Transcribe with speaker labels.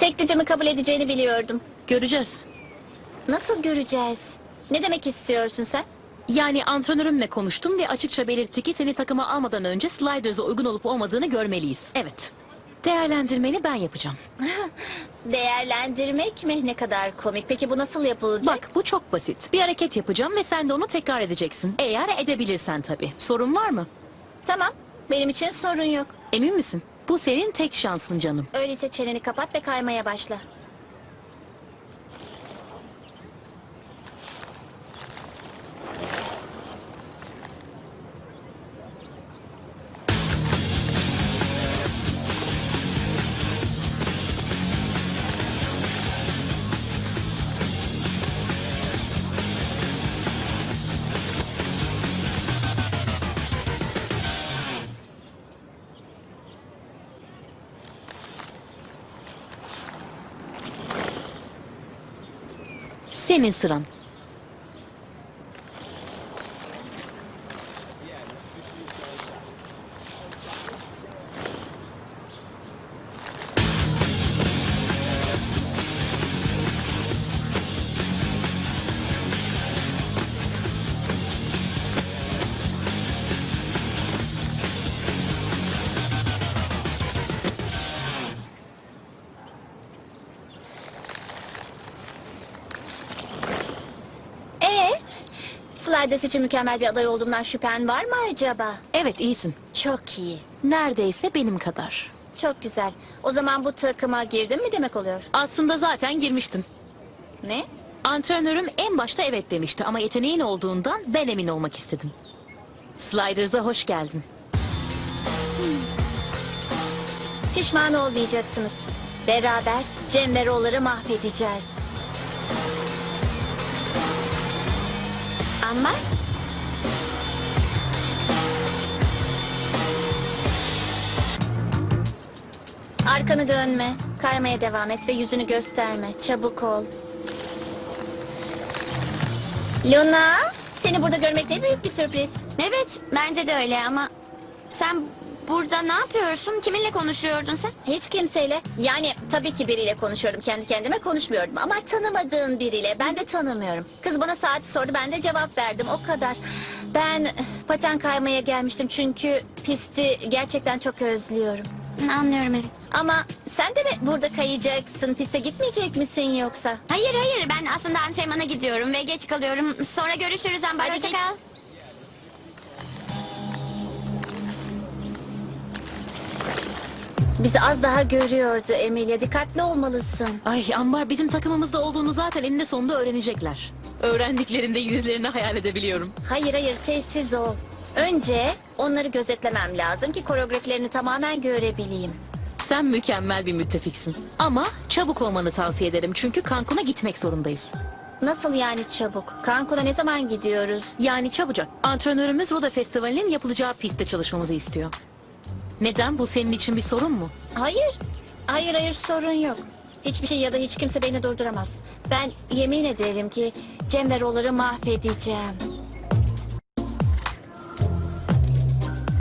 Speaker 1: Teklifimi kabul edeceğini biliyordum.
Speaker 2: Göreceğiz.
Speaker 1: Nasıl göreceğiz? Ne demek istiyorsun sen?
Speaker 2: Yani antrenörümle konuştum ve açıkça belirtti ki seni takıma almadan önce Sliders'a uygun olup olmadığını görmeliyiz. Evet. Değerlendirmeni ben yapacağım.
Speaker 1: Değerlendirmek mi? Ne kadar komik. Peki bu nasıl yapılacak?
Speaker 2: Bak bu çok basit. Bir hareket yapacağım ve sen de onu tekrar edeceksin. Eğer edebilirsen tabii. Sorun var mı?
Speaker 1: Tamam. Benim için sorun yok.
Speaker 2: Emin misin? Bu senin tek şansın canım.
Speaker 1: Öyleyse çeneni kapat ve kaymaya başla.
Speaker 2: Senin sıran.
Speaker 1: Sliders için mükemmel bir aday olduğumdan şüphen var mı acaba?
Speaker 2: Evet iyisin.
Speaker 1: Çok iyi.
Speaker 2: Neredeyse benim kadar.
Speaker 1: Çok güzel. O zaman bu takıma girdin mi demek oluyor?
Speaker 2: Aslında zaten girmiştin.
Speaker 1: Ne?
Speaker 2: Antrenörüm en başta evet demişti ama yeteneğin olduğundan ben emin olmak istedim. Sliders'a hoş geldin.
Speaker 1: Pişman olmayacaksınız. Beraber Cem ve Roller'ı mahvedeceğiz. Ama... Arkanı dönme. Kaymaya devam et ve yüzünü gösterme. Çabuk ol. Luna, seni burada görmek ne büyük bir sürpriz.
Speaker 3: Evet, bence de öyle ama sen burada ne yapıyorsun? Kiminle konuşuyordun sen?
Speaker 1: Hiç kimseyle. Yani tabii ki biriyle konuşuyorum. Kendi kendime konuşmuyordum. Ama tanımadığın biriyle. Ben de tanımıyorum. Kız bana saati sordu. Ben de cevap verdim. O kadar. Ben paten kaymaya gelmiştim. Çünkü pisti gerçekten çok özlüyorum.
Speaker 3: Anlıyorum, evet.
Speaker 1: Ama sen de mi burada kayacaksın? Piste gitmeyecek misin yoksa?
Speaker 3: Hayır, ben aslında antrenmana gidiyorum ve geç kalıyorum. Sonra görüşürüz Amber.
Speaker 1: Hadi
Speaker 3: Hoşça
Speaker 1: git.
Speaker 3: kal.
Speaker 1: Bizi az daha görüyordu Emilia. Dikkatli olmalısın.
Speaker 2: Ay Ambar bizim takımımızda olduğunu zaten eninde sonunda öğrenecekler. Öğrendiklerinde yüzlerini hayal edebiliyorum.
Speaker 1: Hayır, sessiz ol. Önce onları gözetlemem lazım ki koreografilerini tamamen görebileyim.
Speaker 2: Sen mükemmel bir müttefiksin. Ama çabuk olmanı tavsiye ederim çünkü Cancun'a gitmek zorundayız.
Speaker 1: Nasıl yani çabuk? Cancun'a ne zaman gidiyoruz?
Speaker 2: Yani çabucak. Antrenörümüz Roda Festivali'nin yapılacağı pistte çalışmamızı istiyor. Neden? Bu senin için bir sorun mu?
Speaker 1: Hayır, sorun yok. Hiçbir şey ya da hiç kimse beni durduramaz. Ben yemin ederim ki Cem ve Roller'ı mahvedeceğim.